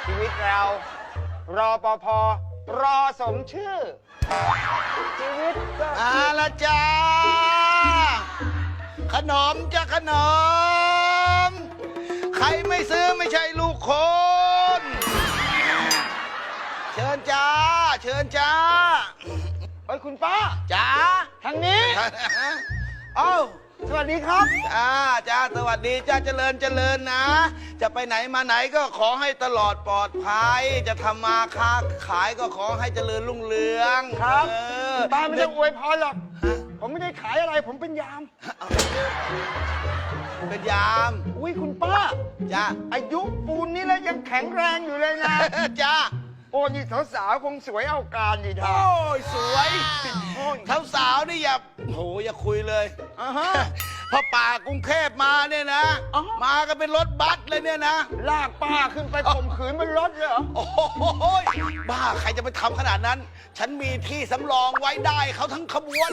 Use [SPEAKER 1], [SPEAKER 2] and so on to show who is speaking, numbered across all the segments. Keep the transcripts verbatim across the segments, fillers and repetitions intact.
[SPEAKER 1] ชีวิตเรา รอปภรอสมชื่อ ชีวิตก็
[SPEAKER 2] อาละจ้าขนมจ้าขนม ใครไม่ซื้อไม่ใช่ลูกคน เชิญจ้า เชิญจ้า
[SPEAKER 1] เฮ้ยคุณป้า
[SPEAKER 2] จ้า
[SPEAKER 1] ทางนี้
[SPEAKER 2] เอ้า
[SPEAKER 1] สวัสดีครับ
[SPEAKER 2] จ้าจ้าสวัสดีจ้าเจริญเจริญนะ จะไปไหนมาไหนก็ขอให้ตลอดปลอดภัย จะทำมาค้าขายก็ขอให้เจริญรุ่งเรือง
[SPEAKER 1] ครับ
[SPEAKER 2] เออ
[SPEAKER 1] ป้าไม่ต้องอวยพรหรอก ผมไม่ได้ขายอะไร ผมเป็นยาม
[SPEAKER 2] เป็นยาม
[SPEAKER 1] อุ้ยคุณป้า
[SPEAKER 2] จ้า
[SPEAKER 1] อายุปูนนี้แล้วยังแข็งแรงอยู่เลยนะ
[SPEAKER 2] จ้า
[SPEAKER 1] โอ้นี่สาวๆคงสวยเอาการดีท่า
[SPEAKER 2] โอ้ยสวย
[SPEAKER 1] โอ้ย
[SPEAKER 2] เท้าสาวนี่อย่าโหอย่าคุยเลย
[SPEAKER 1] อ่าฮะ
[SPEAKER 2] พอป่ากรุงเทพมาเนี่ยนะ
[SPEAKER 1] อ๋อ
[SPEAKER 2] มากันเป็นรถบัสเลยเนี่ยนะ
[SPEAKER 1] ลากป้าขึ้นไปข่มขืนบนรถเลยเหรอ
[SPEAKER 2] โอ้โหบ้าใครจะไปทำขนาดนั้น ฉันมีที่สำรองไว้ได้เขาทั้งขบวน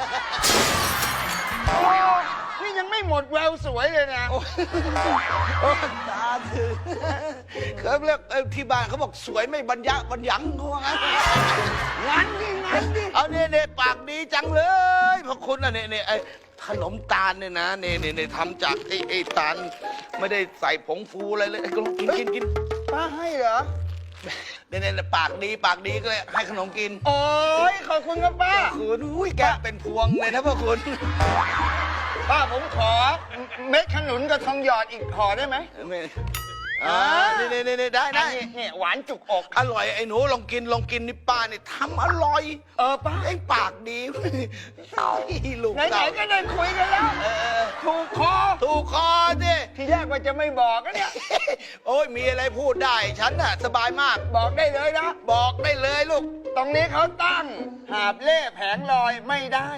[SPEAKER 1] โอ้นี่ยังไม่หมดแววสวยเลยนะ
[SPEAKER 2] โอ้ยโอ้ยตาถึงเขาเรียกเอ้ยที่บ้านเขาบอกสวยไม่บรรยะบรรยังเขาว่างั้น
[SPEAKER 1] งั้นดิงั้นดิ
[SPEAKER 2] เอาเนี่ยเนี่ยปากดีจังเลยพระคุณอ่ะเนี่ยเนี่ยไอ้ขนมตาลเนี่ยนะเนี่ยเนี่ยเนี่ยทำจากไอ้ไอ้ตาลไม่ได้ใส่ผงฟูอะไรเลยไอ้ก็กินกินกิน
[SPEAKER 1] ป้าให้เหรอ
[SPEAKER 2] เนี่ยเนี่ยปากดีปากดีก็เลยให้ขนมกิน
[SPEAKER 1] โอ้ยขอบคุณครับป้า
[SPEAKER 2] คุณอุ้ยแกเป็นพวงเลยนะพระคุณ
[SPEAKER 1] ป้าผมขอเม็ดขนุนกับทองหยอดอีกห่อได้ไหม
[SPEAKER 2] ไม่อ่านี่นี่นี่ได้ได้
[SPEAKER 1] อันนี้เนี่ยหวานจุกอก
[SPEAKER 2] อร่อยไอ้หนูลองกินลองกินนี่ป้าเนี่ยทำอร่อย
[SPEAKER 1] เออป้า
[SPEAKER 2] ไอ้ปากดี ลูก
[SPEAKER 1] ไหน
[SPEAKER 2] เรา
[SPEAKER 1] ๆก็ได้คุยกันแล้ว
[SPEAKER 2] เออ
[SPEAKER 1] ถูกคอ
[SPEAKER 2] ถูกคอสิ
[SPEAKER 1] ที่แรกว่าจะไม่บอกนะเนี่ย
[SPEAKER 2] โอ้ยมีอะไรพูดได้ ฉันน่ะสบายมาก
[SPEAKER 1] บอกได้เลยนะ
[SPEAKER 2] บอกได้เลยลูก
[SPEAKER 1] ตรงนี้เขาตั้ง หาบเล่แผงลอยไม่ได้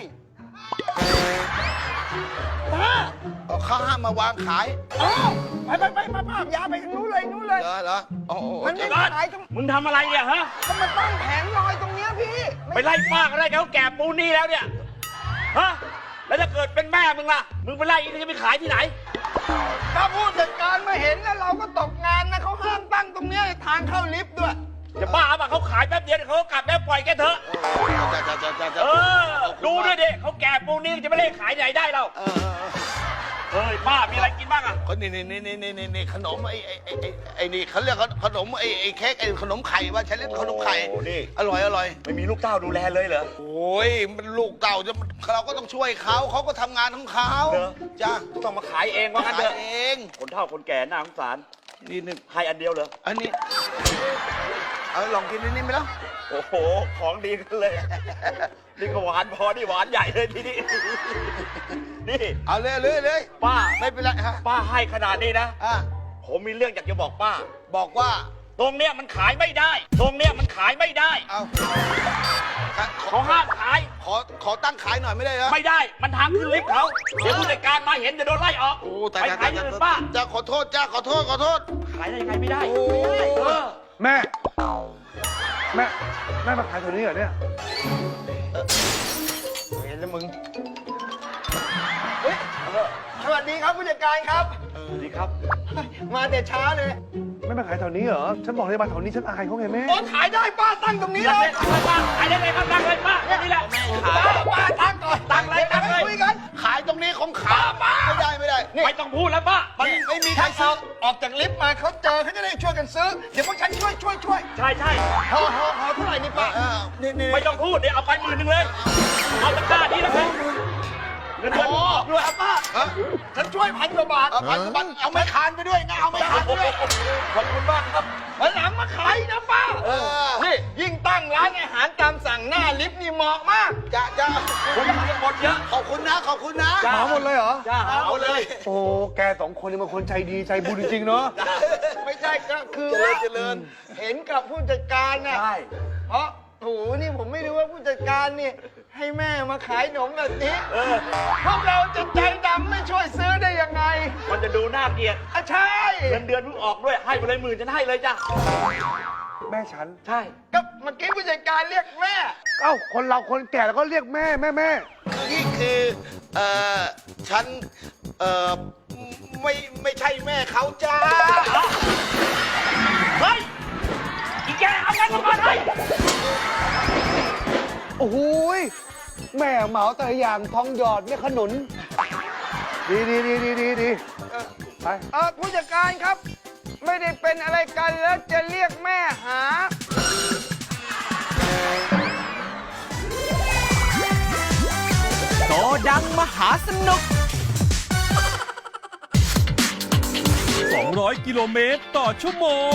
[SPEAKER 1] ป้า
[SPEAKER 2] เอาข้าห้ามมาวางขาย
[SPEAKER 1] อ๋อไปไปไปป้าป้ายาไปทางนู้นเลยนู้นเลย
[SPEAKER 2] เหรอเหรอโอ้โห
[SPEAKER 1] มันไม่
[SPEAKER 2] จะ
[SPEAKER 1] ขายตรง
[SPEAKER 3] มึงทำอะไรเนี่ยฮะ
[SPEAKER 1] เขามาตั้งแผงลอยตรงเนี้ยพี่
[SPEAKER 3] ไปไล่ฟากอะไรเขาแก่ปูนนี่แล้วเนี่ย ฮะ แล้วถ้าเกิดเป็นแม่มึงล่ะ มึงไปไล่อีกจะไปขายที่ไหน
[SPEAKER 1] ถ้าผู้จัดการมาเห็นแล้วเราก็ตกงานนะเขาห้ามตั้งตรงเนี้ยทางเข้าลิฟต์ด้วย
[SPEAKER 3] จะบ้าป่ะเขาขายแป๊บเดียวเดี๋ยวเขาก็กลับแล้วปล่อยแกเถอะ
[SPEAKER 2] จะจะจะจะจะ
[SPEAKER 3] เออ ดูด้วยดิเขาแก่ปูนนี่จะไม่ได้ขายที่ไหนได้เรา
[SPEAKER 2] เออเออเออ
[SPEAKER 3] เฮ้ยป้ามีอะไรกินบ้างอ่ะ
[SPEAKER 2] คนนี่นี่นี่นี่นี่นี่ขนมไอ้ไอ้ไอ้ไอ้ไอ้นี่เขาเรียกขนมไอ้ไอ้เค้กไอ้ขนมไข่ว่าฉันเรียกขนมไข่
[SPEAKER 3] โอ้นี่
[SPEAKER 2] อร่อยอร่อย
[SPEAKER 3] ไม่มีลูกเต้าดูแลเลยเหรอ
[SPEAKER 2] โอ้ยมันลูกเต่าจะเราก็ต้องช่วยเขาเขาก็ทำงานของเขา
[SPEAKER 3] เหรอ
[SPEAKER 2] จ้า
[SPEAKER 3] ต้องมาขายเองว่างั้น
[SPEAKER 2] ขา
[SPEAKER 3] เถ
[SPEAKER 2] ย
[SPEAKER 3] อะ
[SPEAKER 2] เอง
[SPEAKER 3] คนเฒ่าคนแก่น่าสงสาร
[SPEAKER 2] นี่นี่
[SPEAKER 3] ให้อันเดียวเหรอ
[SPEAKER 2] อันนี้เอาลองกินนิดนี้ไหมล่ะ
[SPEAKER 3] โอ้โห ของดีกันเลย นี่ก็หวานพอนี่หวานใหญ่เลยทีนี้ นี่
[SPEAKER 2] เอาเลยเลยเลย
[SPEAKER 3] ป้า
[SPEAKER 2] ไม่เป็นไรฮะ
[SPEAKER 3] ป้าให้ขนาดนี้นะ
[SPEAKER 2] อ่ะ
[SPEAKER 3] ผมมีเรื่องอยากจะบอกป้า
[SPEAKER 2] บอกว่า
[SPEAKER 3] ตรงเนี้ยมันขายไม่ได้ ตรงเนี้ยมันขายไม่ได้
[SPEAKER 2] เอาขอ
[SPEAKER 3] เขาห้ามขาย
[SPEAKER 2] ขอขอตั้งขายหน่อยไม่ได้เหรอ
[SPEAKER 3] ไม่ได้ มันทางขึ้นลิฟต์เขา เดี๋ยวผู้จัดการมาเห็นจะโดนไล่ออก
[SPEAKER 2] โอ้แต่
[SPEAKER 3] ไปขายที่อื่นป้า
[SPEAKER 2] จ้าขอโทษจ้าขอโทษขอโทษ
[SPEAKER 3] ขายได้ยังไงไม่ได้
[SPEAKER 2] โอ้
[SPEAKER 3] เออ
[SPEAKER 4] แม่ แม่ แม่มาขายแถวนี้เหรอเนี่ย
[SPEAKER 1] เห็นแล้วมึงเฮ้ยสวัสดีครับผู้จัดการครับ
[SPEAKER 3] ดีครับ
[SPEAKER 1] มาแต่ช้าเลย
[SPEAKER 4] ไม่มาขายแถวนี้เหรอ ฉันบอกเลยมาแถวนี้ฉันอายเขาไงแม่
[SPEAKER 1] โอ้ขายได้ป้าตั้งตรงนี้
[SPEAKER 3] นี่
[SPEAKER 1] เล
[SPEAKER 3] เลย ยป้าขายได้เลยครับตั้งเลยป้านี่แหละ
[SPEAKER 1] ป้าป้าตั้งก่อน
[SPEAKER 3] ตั้งเลยตั้งเลย
[SPEAKER 1] คุยกัน
[SPEAKER 2] ขายตรงนี้ของขายไม่ได้ไม่ได้
[SPEAKER 3] ไม่ต้องพูดแล้วป้า
[SPEAKER 2] มันไม่มีใคร
[SPEAKER 1] ถ้า
[SPEAKER 2] ซื้
[SPEAKER 1] เอา
[SPEAKER 2] อ
[SPEAKER 1] ออกจากลิฟต์มาเขาเจอเขาจะได้ช่วยกันซื้อ เดี๋ยวพวกฉันช่วยช่วยช่วย
[SPEAKER 3] ใช่ใช่
[SPEAKER 1] พอพอพอเท่าไหร่นี่ป้า
[SPEAKER 2] เออนี่นี่
[SPEAKER 3] ไม่ต้องพูดเดี๋ยวเอาไปหมื่นหนึ่งเลย เอาตะกร้านี้แล้วกันเงินเดือน
[SPEAKER 1] โอ้ด้วยครับป้า
[SPEAKER 2] ฮะ
[SPEAKER 1] ฉันช่วยพันกว่าบาท
[SPEAKER 2] เอาพันบัตรเอาไม่คานไปด้วยนะเอาไม่คานไปด้วย
[SPEAKER 3] ขอบคุณมากครับ
[SPEAKER 1] วันหลังมาขายนะป้า
[SPEAKER 2] เออ
[SPEAKER 1] นี่ยิ่งตั้งร้านอาหารตามสั่งหน้าลิฟต์นี่เหมาะมาก
[SPEAKER 2] จ้าจ้า
[SPEAKER 3] คุณจะหมดเยอะ
[SPEAKER 2] ขอบคุณนะขอบคุณนะ
[SPEAKER 4] เหมาหมดเลยเหรอ
[SPEAKER 3] จ้า
[SPEAKER 2] เอาเลย
[SPEAKER 4] โอ้ แกสองคนนี่มันคนใจดีใจบุญจริงๆเนาะ
[SPEAKER 1] ไม่ใช่ก็คือ
[SPEAKER 2] เจริญเจริญ
[SPEAKER 1] เห็นกับผู้จัดการน่ะ
[SPEAKER 3] ใช่
[SPEAKER 1] เพราะโถูนี่ผมไม่รู้ว่าผู้จัดการนี่ให้แม่มาขายขนมแบบนี้
[SPEAKER 3] เออ
[SPEAKER 1] พวกเราจะใจดำไม่ช่วยซื้อได้ยังไง
[SPEAKER 3] มันจะดูน่าเกลียด
[SPEAKER 1] อ่ะใช่
[SPEAKER 3] เงินเดือนเพิ่งออกด้วย ให้ไปเลยหมื่นฉันให้เลยจ้ะ
[SPEAKER 4] แม่ฉัน
[SPEAKER 3] ใช่
[SPEAKER 1] ก็เมื่อกี้ผู้จัดการเรียกแม่
[SPEAKER 4] เอ้า คนเราคนแก่แล้วก็เรียกแม่แม่แม่
[SPEAKER 2] นี่คือเอ่อฉันเอ่อไม่ไม่ใช่แม่เขาจ้า
[SPEAKER 3] เฮ้ย
[SPEAKER 5] โอ้โหยแม่เหมาแต่ละอย่างทองหยอดเนี่ยขนุน ดีดีดีดีดีดีไป
[SPEAKER 1] เออผู้จัดการครับ ไม่ได้เป็นอะไรกันแล้วจะเรียกแม่หา
[SPEAKER 6] โกดังมหาสนุก
[SPEAKER 7] สองร้อย กิโลเมตรต่อชั่วโมง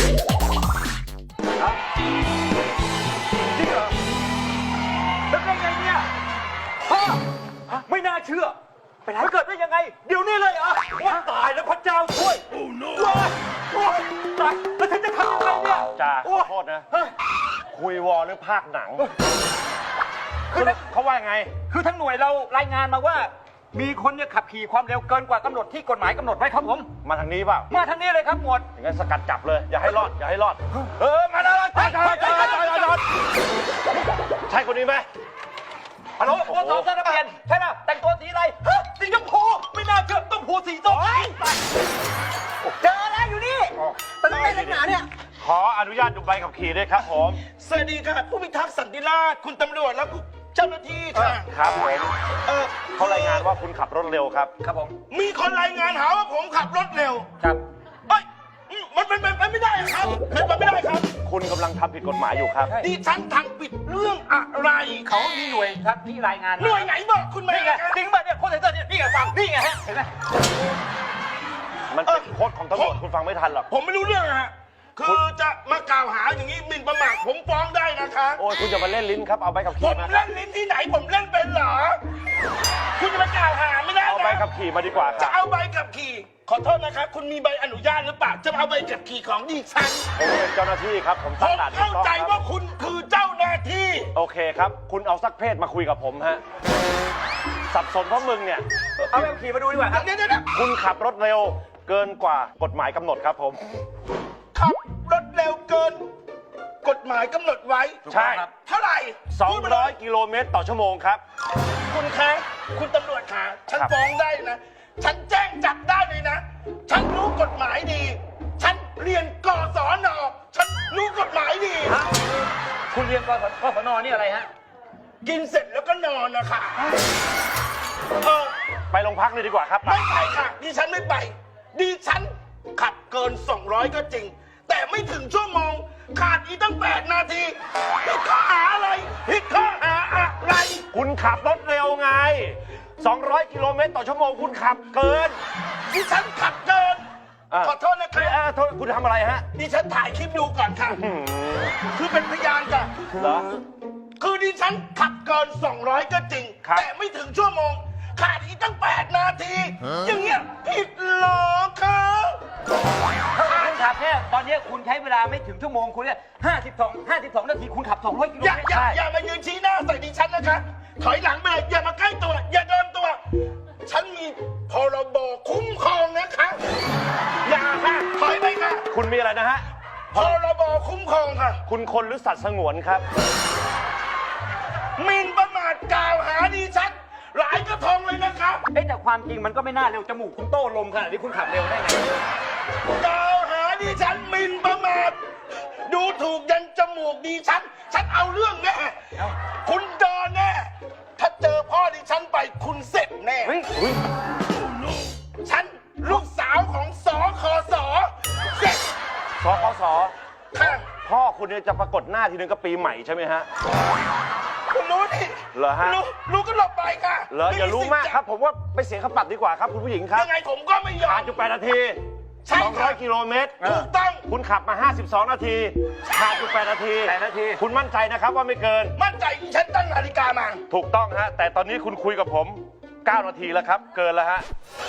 [SPEAKER 3] จริงเหรอแล้วเป็นไงเนี่ยพ่อไม่น่าเชื่อไปไหนเกิดได้ยังไง เดี๋ยวนี้เลยเหรอว่าตายแล้วพระเจ้าช่วย โอ้โนโอ้ยตายแล้วฉันจะทำยังไงเนี่ย
[SPEAKER 4] จ่า
[SPEAKER 3] โอ้
[SPEAKER 4] ขอโทษนะ
[SPEAKER 3] เฮ้ย
[SPEAKER 4] คุยวอลหรือภาคหนัง
[SPEAKER 3] คือ
[SPEAKER 4] เขาว่าไง
[SPEAKER 3] คือทั้งหน่วยเรารายงานมาว่า มีคนเนี่ยขับขี่ความเร็วเกินกว่ากำหนดที่กฎหมายกำหนดไว้ครับผม
[SPEAKER 4] มาทางนี้เปล่า
[SPEAKER 3] มาทางนี้เลยครับหมวด
[SPEAKER 4] อย่างนั้นสกัดจับเลย อย่าให้รอด อย่าให้รอด เออ มาแล้วจอดจอดจอดจอดจอดใช่คนนี้ไหม
[SPEAKER 3] ฮัลโหลตัวสองเสื้อนักเรียนใช่ไหมแต่งตัวสีอะไรฮะสีชมพูไม่น่าเชื่อต้องผูสีส้มเจอแล้วอยู่นี่แต่ทำไมนักหนาเนี่ย
[SPEAKER 4] ขออนุญาตดูใบขับขี่ด้วยครับผม
[SPEAKER 2] สวัสดีค่ะผู้พิทักษ์สันติราษฎร์คุณตำรวจและเจ้าหน้าที่ค่ะ
[SPEAKER 4] ครับผม
[SPEAKER 2] เออ
[SPEAKER 4] เขารายงานว่าคุณขับรถเร็วครับ
[SPEAKER 3] ครับผม
[SPEAKER 2] มีคนรายงานหาว่าผมขับรถเร็ว
[SPEAKER 3] ครับ
[SPEAKER 2] เอ้ยอืมมันเป็นไปไม่ได้ครับเป็นไปไม่ได้ครับ
[SPEAKER 4] คุณกำลังทำผิดกฎหมายอยู่ครับ
[SPEAKER 2] ดิฉันทำผิดเรื่องอะไร
[SPEAKER 3] เขามีหน่วยครับที่รายงาน
[SPEAKER 2] หน่วยไหนบอกคุณมา
[SPEAKER 3] นี่ไงจริงป่ะเนี่ยโค้ชเซนเตอร์เนี่ยนี่ไงฟังนี่ไงฮะเห็นไหม
[SPEAKER 4] มันเป็นโค้ดของตำรวจคุณฟังไม่ทันหรอก
[SPEAKER 2] ผมไม่รู้เรื่องอะฮะคือจะมากล่าวหาอย่างนี้หมิ่นประมาทผมฟ้องได้นะคะ
[SPEAKER 4] โอ้ยคุณจะมาเล่นลิ้นครับ เอาใบขับ
[SPEAKER 2] ผ
[SPEAKER 4] ขี่
[SPEAKER 2] ม
[SPEAKER 4] มา
[SPEAKER 2] เล่นลิ้นที่ไหนผมเล่นเป็นเหรอ คุณจะมากล่าวหาไม่ได้
[SPEAKER 4] เอาใบ
[SPEAKER 2] นะ
[SPEAKER 4] ขับขี่มาดีกว่าค
[SPEAKER 2] จะ
[SPEAKER 4] รับ
[SPEAKER 2] เอาใบขับขี่ขอโทษนะคะคุณมีใบอนุญาตหรือเปล่าจะมาเอาใบขับขี่ของดิฉัน
[SPEAKER 4] ผมเป็นเจ้าหน้าที่ครับ ผม
[SPEAKER 2] ผ
[SPEAKER 4] ตั้ง
[SPEAKER 2] ม
[SPEAKER 4] ด่านถู
[SPEAKER 2] เข้าก
[SPEAKER 4] ต้อง
[SPEAKER 2] ใจ
[SPEAKER 4] ครั
[SPEAKER 2] ว่า
[SPEAKER 4] บ
[SPEAKER 2] คุณคือเจ้าหน้าที่
[SPEAKER 4] โอเคครับ คุณเอาสักเพศมาคุยกับผมฮะ สับสนเพราะมึงเนี่ย
[SPEAKER 3] เอาแบบขี่มาดูดีกว่าครับ
[SPEAKER 2] เดี๋ยวเดี๋ยวเดี๋ยว
[SPEAKER 4] คุณขับรถเร็วเกินกว่ากฎหมายกำหนดครับผม
[SPEAKER 2] ขับรถเร็วเกิน กฎหมายกำหนดไว้
[SPEAKER 4] ใช่
[SPEAKER 2] เท่าไหร่
[SPEAKER 4] สอง
[SPEAKER 2] พูดมาเล
[SPEAKER 4] ร้อยกิโลเมตรต่อชั่วโมงครับ
[SPEAKER 2] คุณคะคุณตำรวจคะฉัน
[SPEAKER 4] ครับ
[SPEAKER 2] ฟ้องได้นะ ฉันแจ้งจับได้เลยนะ ฉันรู้กฎหมายดี ฉันเรียนกศนฉันรู้กฎหมายดี
[SPEAKER 3] ฮะคุณเรียนกศกศนนี่อะไรฮะ
[SPEAKER 2] กินเสร็จแล้วก็นอนนะคะเออ
[SPEAKER 4] ไปโรงพักเลยดีกว่าครับ
[SPEAKER 2] ไม่ไปค่ะ ดิฉันไม่ไป ดิฉันขับเกิน สองร้อย ก็จริง แต่ไม่ถึงชั่วโมง ขาดอีกตั้ง แปด นาทีผิดข้อหาอะไรผิดข้อหาอะไร
[SPEAKER 4] คุณขับรถเร็วไง สองร้อยกิโลเมตรต่อชั่วโมงคุณขับเกิน
[SPEAKER 2] ดิฉันขับเกิน
[SPEAKER 4] อ่ะ
[SPEAKER 2] ขอโทษนะค
[SPEAKER 4] เอ้ย
[SPEAKER 2] รับ
[SPEAKER 4] เอ้ยโทษคุณทำอะไรฮะ
[SPEAKER 2] ดิฉันถ่ายคลิปดูก่อนค่ะ
[SPEAKER 4] หืม
[SPEAKER 2] คือเป็นพยานค่ะ
[SPEAKER 4] เหรอ
[SPEAKER 2] คือดิฉันขับเกิน สองร้อย ก็จริง
[SPEAKER 4] ครับ
[SPEAKER 2] แต่ไม่ถึงชั่วโมง ขาดอีกตั้ง แปด นาที อย่างเงี้ยผิดเหรอคะ
[SPEAKER 3] คุณขับแค่ตอนนี้คุณใช้เวลาไม่ถึงชั่วโมงคุณเนี่ยห้าสิบสองห้าสิบสองนาทีคุณขับสองร้อยกิโล
[SPEAKER 2] อย่า
[SPEAKER 3] เมตร
[SPEAKER 2] อย่า
[SPEAKER 3] ได้
[SPEAKER 2] อย่ามายืนชี้หน้าใส่ดิฉันนะคะ ถอยหลังไปเลยอย่ามาใกล้ตัว อย่าโดนตัว ฉันมีพรบคุ้มครองนะคะ อย่าค่ะ ถอยไปค่ะ
[SPEAKER 4] คุณมีอะไรนะฮะ
[SPEAKER 2] พรบคุ้มครองค่ะ
[SPEAKER 4] คุณคนหรือสัตว์สงวนครับ
[SPEAKER 2] หมิ่นประมาทกล่าวหาดิฉัน หลายกระทงเลยนะครับ
[SPEAKER 3] เอ้แต่ความจริงมันก็ไม่น่าเร็วจมูกคุณโต้ลมขนาดนี้คุณขับเร็วได้ไง
[SPEAKER 2] กล่าวหาดิฉันหมิ่นประมาท ดูถูกยันจมูกดิฉัน ฉันเอาเรื่องแน่ คุณโดนแน่ ถ้าเจอพ่อดิฉันไปคุณเสร็จแน่
[SPEAKER 4] เฮ้ยเฮ้ย
[SPEAKER 2] ฉันลูกสาวของสอคอสอเสร็จ
[SPEAKER 4] สคส
[SPEAKER 2] ค่ะ
[SPEAKER 4] พ่อคุณเนี่ยจะปรากฏหน้าทีนึงก็ปีใหม่ใช่ไหมฮะ
[SPEAKER 2] คุณรู้ดิ
[SPEAKER 4] เหรอฮะ
[SPEAKER 2] รู้รู้ก็หลบไปค่ะ
[SPEAKER 4] เหรออย่ารู้มากครับ ผมว่าไปเสียค่าปรับดีกว่าครับ คุณผู้หญิงครับ
[SPEAKER 2] ยังไงผมก็ไม่ยอ
[SPEAKER 4] ผ่าม นอยู่แปดนาที
[SPEAKER 2] ใช่ครับ
[SPEAKER 4] สองร้อยกิโลเมตร
[SPEAKER 2] ถูกต้อง
[SPEAKER 4] คุณขับมาห้าสิบสองนาทีผ่านอยู่แปดนาที
[SPEAKER 3] แปดนาที
[SPEAKER 4] คุณมั่นใจนะครับว่าไม่เกิน
[SPEAKER 2] มั่นใจฉันตั้งนาฬิกามา
[SPEAKER 4] ถูกต้องฮะ แต่ตอนนี้คุณคุยกับผมเก้านาทีแล้วครับ เกินแล้วฮะ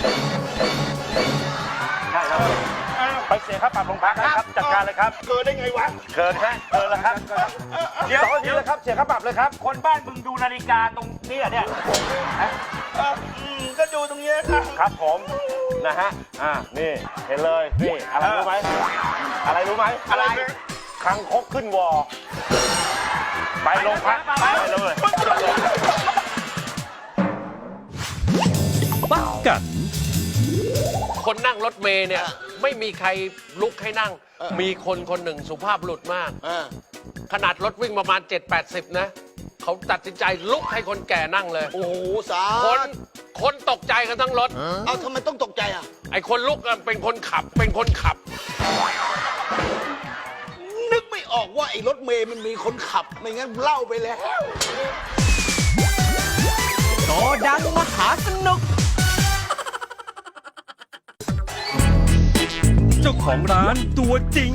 [SPEAKER 4] ใช่ครับ
[SPEAKER 2] อ้าว
[SPEAKER 4] ไปเสียค่าปรับโรงพักนะครับ จัดการเลยครับ
[SPEAKER 2] เกินได้ไงวะ
[SPEAKER 4] เกินฮะ เกินแล้วครับ
[SPEAKER 3] เดี๋ยว
[SPEAKER 4] สองนาทีแล้วครับ เสียค่าปรับเลยครับ
[SPEAKER 3] คนบ้านมึงดูนาฬิกาตรงนี้อะเนี่ย
[SPEAKER 2] เอออืมก็ดูตรงเนี้ยค่ะ
[SPEAKER 4] ครับผม นะฮะ อ่า นี่ เห็นเลย นี่ อะไรรู้ไหม อะไรรู้ไหม
[SPEAKER 2] อะไร
[SPEAKER 4] คังคกขึ้นวอ ไปโรงพัก ไปเลย
[SPEAKER 7] ปักกัน
[SPEAKER 8] คนนั่งรถเมย์เนี่ยไม่มีใครลุกให้นั่ง มีคนคนหนึ่งสุภาพบุรุษมาก ขนาดรถวิ่งประมาณ เจ็ดแปดสิบ นะเขาตัดสินใจลุกให้คนแก่นั่งเลย
[SPEAKER 2] โอ้โหสา
[SPEAKER 8] คนคนตกใจกันทั้งรถ
[SPEAKER 2] เอาทำไมต้องตกใจอ่ะ
[SPEAKER 8] ไอ้คนลุกอะเป็นคนขับ เป็นคนขับ
[SPEAKER 2] นึกไม่ออกว่าไอ้รถเมย์มันมีคนขับ ไม่งั้นเล่าไปแล้ว
[SPEAKER 6] โตดังมหาสนุก
[SPEAKER 7] เจ้าของร้านตัวจริง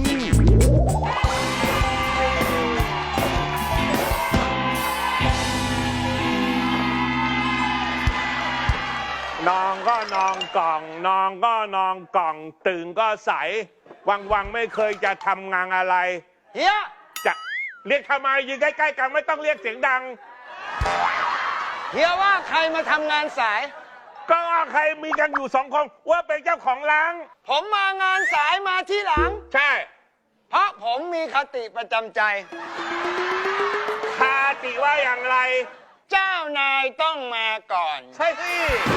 [SPEAKER 4] นองก็นองกล่อง นองก็นองกล่อง ตื่นก็ใส วังวังๆไม่เคยจะทำงานอะไร
[SPEAKER 1] เฮีย
[SPEAKER 4] จะเรียกทำไมยืนใกล้ๆกันไม่ต้องเรียกเสียงดัง
[SPEAKER 1] เฮียว่าใครมาทำงานสาย
[SPEAKER 4] ก็ว่าใครมีกันอยู่สองคนว่าเป็นเจ้าของร้าน
[SPEAKER 1] ผมมางานสายมาที่หลัง
[SPEAKER 4] ใช่
[SPEAKER 1] เพราะผมมีคติประจำใจ
[SPEAKER 4] คาติว่าอย่างไร
[SPEAKER 1] เจ้านายต้องมาก่อน
[SPEAKER 4] ใช่สิ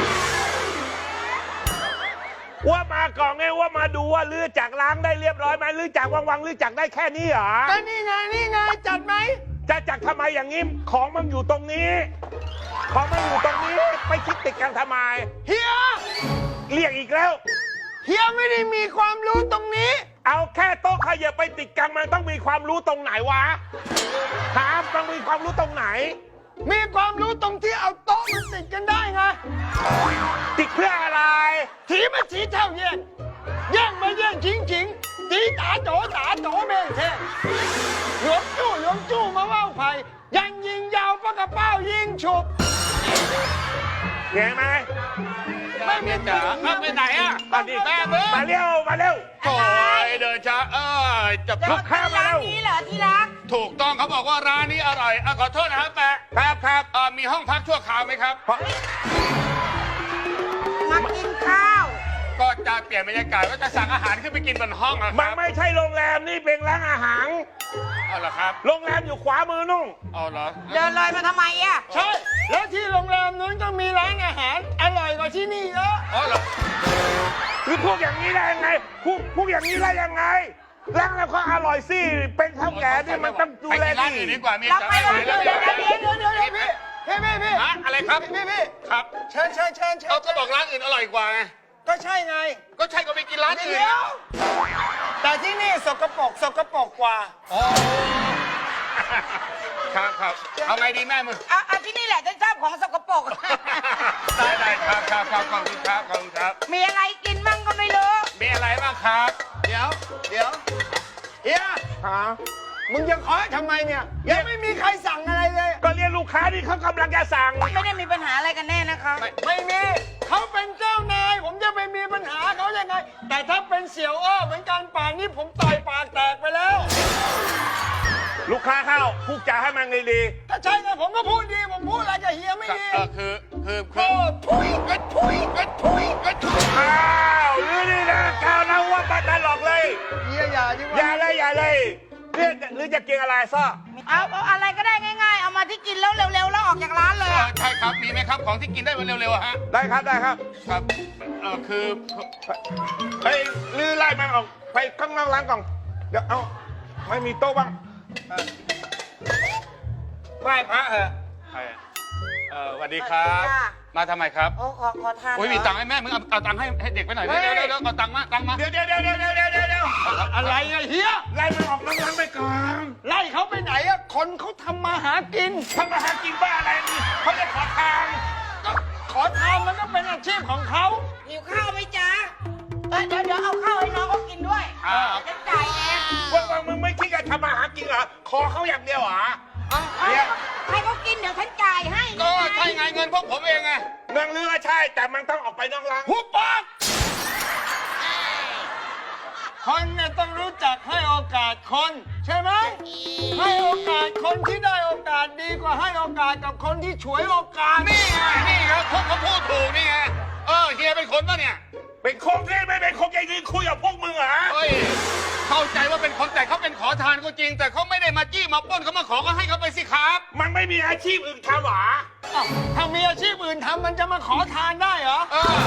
[SPEAKER 4] ว่ามาก่อนไงว่ามาดูว่าลื้อจากล้างได้เรียบร้อยไหมลื้อจากวังวังๆลื้อจากได้แค่นี้เหรอ
[SPEAKER 1] ก็นี่ไงนี่ไงจัดไหม
[SPEAKER 4] จะจักทำไมอย่างนี้ของมันอยู่ตรงนี้ ของมันอยู่ตรงนี้ไปคิดติดกันทำไม
[SPEAKER 1] เฮีย
[SPEAKER 4] เรียกอีกแล้ว
[SPEAKER 1] เฮียไม่ได้มีความรู้ตรงนี้
[SPEAKER 4] เอาแค่โต๊ะขยับไปติดกันมันต้องมีความรู้ตรงไหนวะถามต้องมีความรู้ตรงไหน
[SPEAKER 1] มีความรู้ตรงที่เอาโต๊ะมันติดกันได้ไง
[SPEAKER 4] ติดเพื่ออะไร
[SPEAKER 1] ถีมาถีเท่าแย่งแย่งมาแย่งชิงชิงตีตาโจตาโจแม่งแท้หลวงจู่หลวงจู่มาว่าวไผ่ยังยิงยาวปากกระเป้ายิงฉุบ
[SPEAKER 4] เห็นไหม
[SPEAKER 1] ไม่มีจ๋า
[SPEAKER 8] ไปไหนอ่ะ
[SPEAKER 4] มาดิมาเร็วมาเร็ว
[SPEAKER 8] โอ้ยเดินช้าเออจะ
[SPEAKER 4] ลูกค้ามาเร็ว
[SPEAKER 9] นี่เหรอที่รัก
[SPEAKER 8] ถูกต้องเขาบอกว่าร้านนี้อร่อยอะขอโทษนะครับแปะ
[SPEAKER 4] ครับครับ
[SPEAKER 8] เอ่อมีห้องพักชั่วคราวไหมครับ
[SPEAKER 9] มากินข้าว
[SPEAKER 8] ก็จะเปลี่ยนบรรยากาศว่าจะสั่งอาหารขึ้นไปกินบนห้องอะค
[SPEAKER 4] มัน
[SPEAKER 8] รับ
[SPEAKER 4] ไม่ใช่โรงแรมนี่เป็นร้านอาหาร
[SPEAKER 8] เอาเหรอครับ
[SPEAKER 4] โรงแรมอยู่ขวามือนุ่ง
[SPEAKER 8] เอาเหรอ
[SPEAKER 9] เดินเลยมาทำไมอ่ะ
[SPEAKER 1] ใช่ แล้วที่โรงแรมนู้นก็มีร้านอาหารอร่อยกว่าที่นี่เยอะ
[SPEAKER 8] อ๋อเหรอ
[SPEAKER 4] หรือพวกอย่างนี้ได้ยังไงพวกพวกอย่างนี้ได้ยังไงร้านแล้วก็อร่อยสิเป็นข้าวแก่นี่มันต้องดูแล
[SPEAKER 8] ไปกินร้าน
[SPEAKER 4] ดี
[SPEAKER 8] อื่นดีกว่ามี
[SPEAKER 9] เราไป
[SPEAKER 8] จ๋า
[SPEAKER 9] ร้านอื่น
[SPEAKER 1] เดี๋ยวเดี๋ยวเดี๋ยวเดี๋ยวเดี๋ยวพี่พี่พี่พี่
[SPEAKER 8] ฮะอะไรครับ
[SPEAKER 1] พี่พี่
[SPEAKER 8] ครับ
[SPEAKER 1] เชิญเชิญเชิญเชิญ
[SPEAKER 8] เอาก็บอกร้านอื่นอร่อยกว่าไง
[SPEAKER 1] ก็ใช่ไง
[SPEAKER 8] ก็ใช่ก็ไปกินร้านอื่น
[SPEAKER 1] เดี๋ยวแต่ที่นี่สกปรกสกปรกกว่า
[SPEAKER 8] ครับครับเอาไงดีแม่มึง
[SPEAKER 9] เอาเอาที่นี่แหละฉันชอบของสกปรก
[SPEAKER 8] ได้ได้ครับครับครับขอบคุณครับขอบคุณครับ
[SPEAKER 9] มีอะไรกินมั่งก็ไม่รู้
[SPEAKER 8] มีอะไรบ้างครับ
[SPEAKER 1] เดี๋ยวเดี๋ยวเฮีย
[SPEAKER 4] ฮะ
[SPEAKER 1] มึงยังขอทำไมเนี่ยยังไม่มีใครสั่งอะไรเลย
[SPEAKER 4] ก็เรียกลูกค้าที่เขากำลังจะสั่ง
[SPEAKER 9] ไม่ได้มีปัญหาอะไรกันแน่นะคะ
[SPEAKER 1] ไม่มีเขาเป็นเจ้านาย ผมจะไปมีปัญหาเขายังไง แต่ถ้าเป็นเสี่ยวอ้อเหมือนกันป่านนี้ผมต่อยปากแตกไปแล้ว
[SPEAKER 4] ลูกค้าเข้าพูดจาให้มันดี
[SPEAKER 1] ถ้าใช่ไงผมก็พูดดี ผมพูดอะไรกับเฮียไม่ดี
[SPEAKER 8] เออคือคือคื
[SPEAKER 1] ก็
[SPEAKER 8] อ
[SPEAKER 1] ทุยก็ทุยก็ทุยก็ทุย
[SPEAKER 4] ๆอ้าวหรือนี่นะก้าวนะว่ามาตลกเลย
[SPEAKER 1] เฮียอย่าดีก
[SPEAKER 4] อย่า
[SPEAKER 1] ว่า
[SPEAKER 4] เลยอย่าเลยเรียกหรือจะกินอะไรซ่อ
[SPEAKER 9] เอาเอาอะไรก็ได้ง่าย ๆ เอามาที่กินแล้วเร็วๆแล้วออกจากร้านเลย
[SPEAKER 8] เออ
[SPEAKER 9] อะ
[SPEAKER 8] ใช่ครับมีไหมครับของที่กินได้เร็วๆอะฮะ
[SPEAKER 4] ได้ครับได้ครับ
[SPEAKER 8] ครับเออคือ
[SPEAKER 4] เฮ้ยลือไล่มันออกไปข้างนอกร้านก่อนเดี๋ยวเอาไม่มีโต๊ะบ้าง
[SPEAKER 1] ไหว้พระเหรอ
[SPEAKER 8] ใครอะเออสวัสดีครับ มาทำไมครับ
[SPEAKER 9] โอ้ขอขอทาน
[SPEAKER 8] โอ้ยมีตังค์ให้แม่มึงเอาเอาตังค์ให้ให้เด็กไปหน่อยเดี๋ยวเดี๋ยวเดี๋ยวเอาตังค์มาตังค์มา
[SPEAKER 4] เดี๋ยวเดี๋ยวเดี๋ยวเดี๋ยวเดี๋ยวเดี๋ยวเดี๋ยว
[SPEAKER 1] อะไรอะเฮีย
[SPEAKER 4] ไล่มันออกนอกร้านไปก่อน
[SPEAKER 1] ไล่เขาไปไหนอะคนเขาทำมาหากิน
[SPEAKER 4] ทำมาหากินบ้าอะไรนี่เขาจะขอทาง
[SPEAKER 1] ก็ขอทานมันก็เป็นอาชีพของเขา
[SPEAKER 9] หิวข้าวไหมจ๊ะเอ้ยเดี๋ยวเดี๋ยวเอาข้าวให้น้องเขากินด้วย
[SPEAKER 8] อ่า
[SPEAKER 9] เดี๋ยวฉันจ่ายเอง
[SPEAKER 4] ว่าว่ามึงไม่คิดจะทำมาหากินเหรอขอเขาอย่างเดียวเหรอ
[SPEAKER 9] เอา
[SPEAKER 4] เนี่ย
[SPEAKER 9] ให้เขากินเดี๋ยวฉันจ่ายให้
[SPEAKER 8] ก็ใช่ไงเงินพวกผมเองไง
[SPEAKER 4] เมืองลือใช่ แต่มันต้องออกไปนอกร้าน
[SPEAKER 1] หุบปากคนเนี่ยต้องรู้จักให้โอกาสคน ใช่ไหม ให้โอกาสคนที่ได้โอกาสดีกว่าให้โอกาสกับคนที่ฉวยโอกาส
[SPEAKER 8] นี่ไงนี่ครับพวกเขาพูดถูกนี่ไงเออเฮียเป็นคนปะเนี่ย
[SPEAKER 4] เป็นคงที่ไม่เป็นคงจะยืนคุยกับพวกมึงเหรอ
[SPEAKER 8] เฮ้ยเข้าใจว่าเป็นคนแต่เขาเป็นขอทานก็จริง แต่เขาไม่ได้มาจี้มาปล้นเขามาขอก็ให้เขาไปสิครับ
[SPEAKER 4] มันไม่มีอาชีพอื่นทำเหรอ
[SPEAKER 1] อ้าวถ้ามีอาชีพอื่นทำมันจะมาขอทานได้เหรอ
[SPEAKER 8] เออ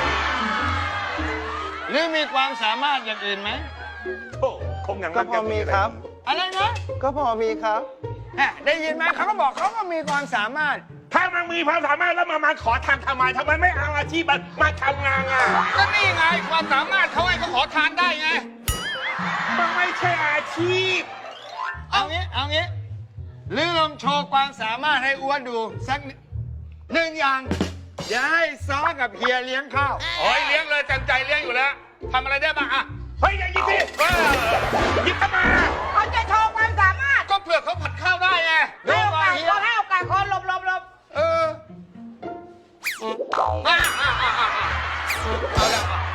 [SPEAKER 1] หรือมีความสามารถอย่างอื่นไหม
[SPEAKER 4] โอ้คงอย่างนั้น
[SPEAKER 5] ก็พอมีครับ
[SPEAKER 1] อะไรนะ
[SPEAKER 5] ก็พอมีครับ
[SPEAKER 1] แหม่ได้ยินไหมเขาก็บอกเขาก็มีความสามารถ
[SPEAKER 4] ถ้ามันมีความสามารถแล้วมามาขอทำทำไมทำไมไม่เอาอาชีพมันมาทำงานอ่ะ
[SPEAKER 8] ก็นี่ไงความสามารถเขาให้เขาขอทานได้ไง
[SPEAKER 4] มันไม่ใช่อาชีพ
[SPEAKER 1] เอางี้ เอางี้ลือลองโชว์ความสามารถให้อ้วนดูสักหนึ่งอย่างอย่าให้ซ้อกับเฮียเลี้ยงข้าว
[SPEAKER 8] โอ้ยเลี้ยงเลยจันใจเลี้ยงอยู่แล้วทำอะไรได้บ้างอะ
[SPEAKER 4] เฮ้ยอย่าหยิบสิ
[SPEAKER 8] เออ
[SPEAKER 4] หยิบเข้ามา
[SPEAKER 9] เขาจะโชว์ความสามารถ
[SPEAKER 8] ก็เผื่อเขาผัดข้าวได้ไง
[SPEAKER 9] ให้โอกาสคนให้โอกาสคนหลบหลบหลบ
[SPEAKER 8] เอออ่ะอ่ะอ่ะอ่ะอ่ะเอาละอ่ะ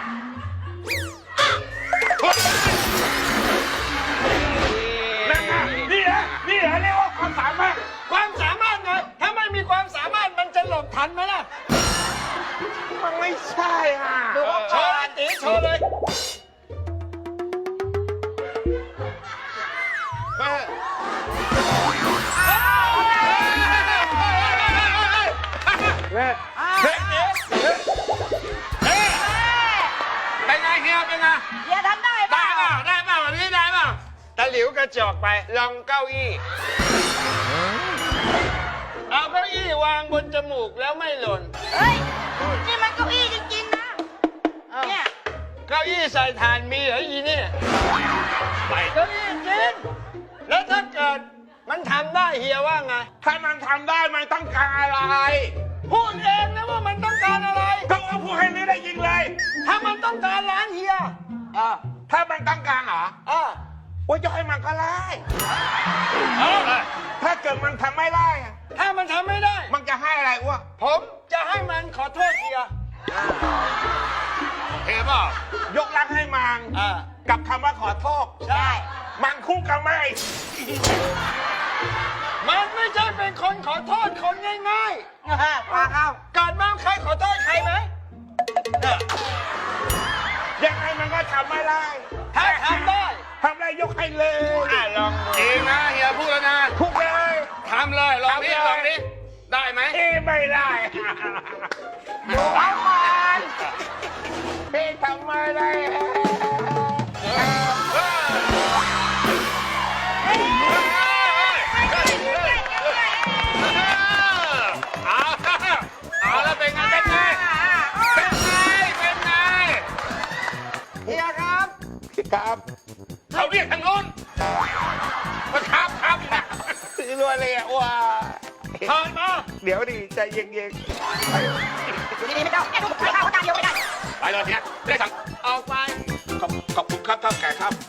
[SPEAKER 4] นั่นไงนี่เหรอนี่เหรอเรียกว่าความสามารถ
[SPEAKER 1] ความสามารถไงถ้าไม่มีความสามารถมันจะหลบทันไหมล่ะ
[SPEAKER 4] มันไม่ใช่อ่ะ
[SPEAKER 1] โชว์เลยตีโชว์เลย
[SPEAKER 5] เว้ย
[SPEAKER 8] เฮ้ยเฮ้ยเฮ้ยเป็นไงเฮียเป็นไง
[SPEAKER 9] เฮียทำได้เป
[SPEAKER 8] ได้
[SPEAKER 9] ล่า
[SPEAKER 8] เปล่าได้เปล่าวันนี้ได้เปล่า
[SPEAKER 1] ตะหลิวกระจอกไปลองเก้าอี้ เอาเก้าอี้วางบนจมูกแล้วไม่หล่น
[SPEAKER 9] เฮ้ย นี่มันเก้าอี้จริงๆนะ เนี่ย
[SPEAKER 1] เก้าอี้ใส่ถ่านมีเหรออีนี่
[SPEAKER 8] ไป
[SPEAKER 1] เก้าอี้จริงแล้วถ้าเกิดมันทำได้เฮียว่าไง
[SPEAKER 4] ถ้ามันทำได้มันต้องการอะไร
[SPEAKER 1] พูดเองนะว่ามันต้องการอะไร
[SPEAKER 4] ก็เอาพูดให้นี่ได้ยิงเลย
[SPEAKER 1] ถ้ามันต้องการล้างเฮียอ่า
[SPEAKER 4] ถ้ามันต้องการเหรอ
[SPEAKER 1] อ่า
[SPEAKER 4] ว่าจะให้มันก็ไล่
[SPEAKER 8] เอาเลย
[SPEAKER 4] ถ้าเกิดมันทำไม่ได้อะ
[SPEAKER 1] ถ้ามันทำไม่ได้
[SPEAKER 4] มันจะให้อะไรอ้ว
[SPEAKER 1] ผมจะให้มันขอโทษเฮีย
[SPEAKER 8] เฮียเปล่าย
[SPEAKER 4] กลังให้มัน
[SPEAKER 1] อ่า
[SPEAKER 4] กับคำว่าขอโทษ
[SPEAKER 1] ใช่
[SPEAKER 4] มันคู่กันไหม
[SPEAKER 1] มันไม่ใช่เป็นคนขอโทษคนง่าย
[SPEAKER 9] ปลาเข้า
[SPEAKER 1] ๆเกิดมาใครขอโทษใครไหมเนี่ย
[SPEAKER 4] ยังไงมันก็ทำไม่ได้
[SPEAKER 1] ถ้าทำได้
[SPEAKER 4] ทำได้ยกให้เลย
[SPEAKER 1] อ่ะลองดู
[SPEAKER 8] เองนะเฮียพูดแล้วนะ
[SPEAKER 4] ทุกเลย
[SPEAKER 8] ทำเลยลองนี้ลองนี้ได้ไหม
[SPEAKER 4] เอ้ไม่ได้
[SPEAKER 9] เอาก่อน
[SPEAKER 4] เอ้ทำไม่ได้
[SPEAKER 8] เอาเอาแล้วเป็นไงเป็นไงเป็นไงเป็นไง
[SPEAKER 1] เฮียครับ
[SPEAKER 4] ครับ
[SPEAKER 8] เขาเรียกทางโน้นมาครับครับนะ
[SPEAKER 4] รวยเลยอ่ะว้า
[SPEAKER 1] เชิญมา
[SPEAKER 4] เดี๋ยวดิใจเย็น
[SPEAKER 9] ดีๆไม่ต้องแค่ดูข้าวเขาจานเดียวไม่ได้
[SPEAKER 8] ไปเลยเนี่ยได้สั่ง
[SPEAKER 1] เอาไป
[SPEAKER 8] ขอบขอบคุณครับเท่าแก่ครับ